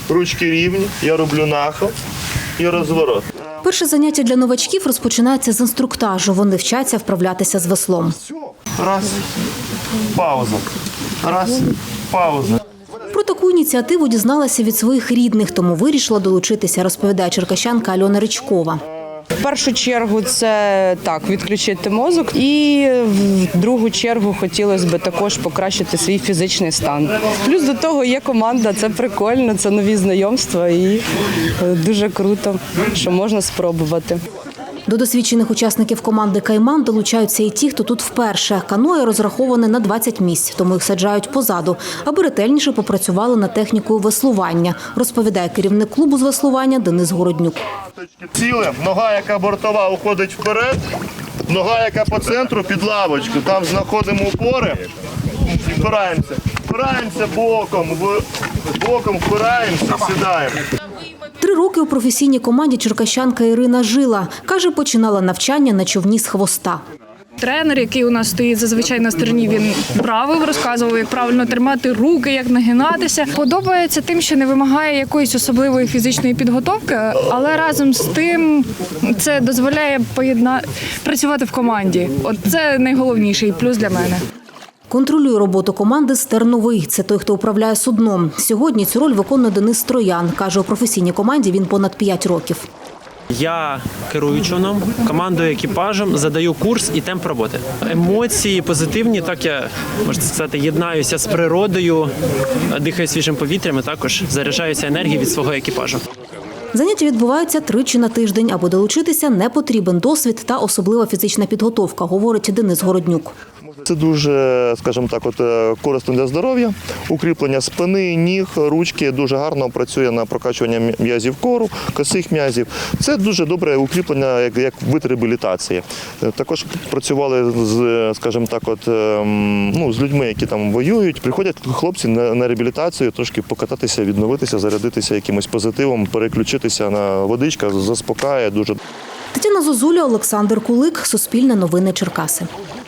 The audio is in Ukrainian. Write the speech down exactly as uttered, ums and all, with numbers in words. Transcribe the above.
ручки рівні, я роблю нахил і розворот. Перше заняття для новачків розпочинається з інструктажу. Вони вчаться вправлятися з веслом. Раз, пауза, раз, пауза. Про таку ініціативу дізналася від своїх рідних, тому вирішила долучитися, розповідає черкащанка Альона Ричкова. В першу чергу це так, відключити мозок, і в другу чергу хотілося б також покращити свій фізичний стан. Плюс до того є команда, це прикольно, це нові знайомства і дуже круто, що можна спробувати. До досвідчених учасників команди «Кайман» долучаються і ті, хто тут вперше. Каное розраховане на двадцять місць, тому їх саджають позаду, аби ретельніше попрацювали над технікою веслування, розповідає керівник клубу з веслування Денис Городнюк. Ціле, нога, яка бортова, уходить вперед, нога, яка по центру, під лавочку. Там знаходимо опори, впираємося. Впираємося боком, боком впираємося, сідаємо. Три роки у професійній команді черкащанка Ірина жила. Каже, починала навчання на човні з хвоста. Тренер, який у нас стоїть зазвичай на стороні, він правив, розказував, як правильно тримати руки, як нагинатися. Подобається тим, що не вимагає якоїсь особливої фізичної підготовки, але разом з тим це дозволяє поєдна... працювати в команді. От це найголовніший плюс для мене. Контролює роботу команди Стерновий. Це той, хто управляє судном. Сьогодні цю роль виконує Денис Троян. Каже, у професійній команді він понад п'ять років. Я керую човном, командою, екіпажем, задаю курс і темп роботи. Емоції позитивні, так я, можна сказати, єднаюся з природою, дихаю свіжим повітрям і також заряджаюся енергією від свого екіпажу. Заняття відбуваються тричі на тиждень. Аби долучитися, не потрібен досвід та особлива фізична підготовка, говорить Денис Городнюк. Це дуже, скажімо так, от, корисно для здоров'я. Укріплення спини, ніг, ручки дуже гарно працює на прокачування м'язів кору, косих м'язів. Це дуже добре укріплення як, як вид реабілітації. Також працювали з, скажімо так, от, ну, з людьми, які там воюють. Приходять хлопці на, на реабілітацію, трошки покататися, відновитися, зарядитися якимось позитивом, переключитися на водичка, заспокаює дуже. Тетяна Зозуля, Олександр Кулик, Суспільне новини Черкаси.